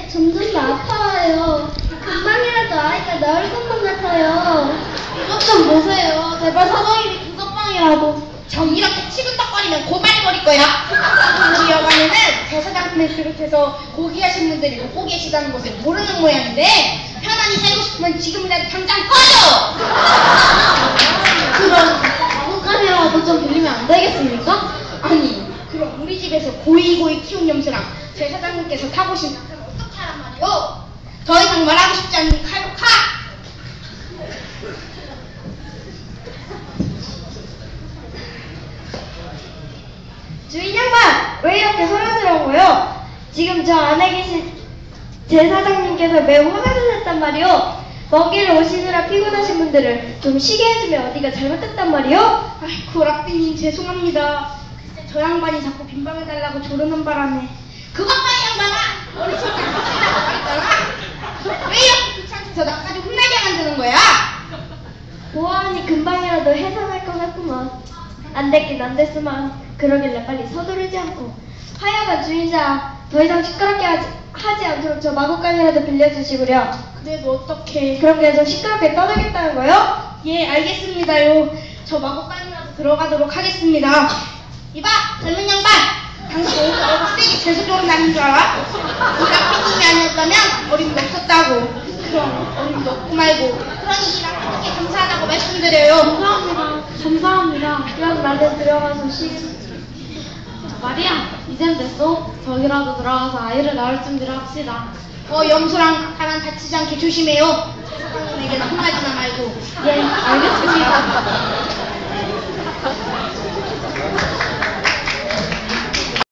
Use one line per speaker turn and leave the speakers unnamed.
점점 더 아파요. 금방이라도 아이가 나을 것만 같아요.
이것 좀 보세요. 제발 사장님이 구석방이라도.
정 이렇게 치근덕거리면 고말버릴 거야. 우리 여관에는 대사장님을 비롯해서 고귀하신 분들이 묵고 계시다는 것을 모르는 모양인데 편안히 살고 싶으면 지금이라도 당장 꺼져!
그럼 마구간이라도 좀 빌리면 안 되겠습니까?
아니 그럼 우리 집에서 고이고이 키운 염소랑 제사장님께서 타보신 낙타는 어떻게 하란 말이오? 더 이상 말하고 싶지 않으니 칼로 카!
주인 양반! 왜 이렇게 소란스러워요? 지금 저 안에 계신 제사장님께서 매우 화가 나셨단 말이오. 먼 길을 오시느라 피곤하신 분들을 좀 쉬게 해주면 어디가 잘못됐단 말이오?
아이고 락비님 죄송합니다. 글쎄 저 양반이 자꾸 빈방해달라고 조르는 바람에 그것만 양반아! 어리석게 못한다고 말했잖아! 왜 이렇게 귀찮게 나까지 혼나게 만드는 거야?
보아하니 금방이라도 해산할 것 같구먼. 안 됐긴 안 됐으만 그러길래 빨리 서두르지 않고. 하여간 주인장 더 이상 시끄럽게 하지 않도록 저 마구간이라도 빌려주시구려.
그래도 어떡해.
그럼 그냥 좀 시끄럽게 떠나겠다는 거요?
예 알겠습니다요. 저 마법관이라도 들어가도록 하겠습니다. 이봐 젊은 양반! 당신 오늘 얼굴 세게 재수 좋은 날인 줄 알아? 이 락비님이 아니었다면 어림도 없었다고. 그럼 어림도 없고 말고 그러니 이 락비님께 감사하다고 말씀드려요.
감사합니다. 그럼 나도 들어가서
마리아, 이젠 됐어. 저기라도 들어가서 아이를 낳을 준비를 합시다.
염소랑 낙타만 다치지 않게 조심해요. 제사장님에게는 혼나지나 말고.
예, 알겠습니다.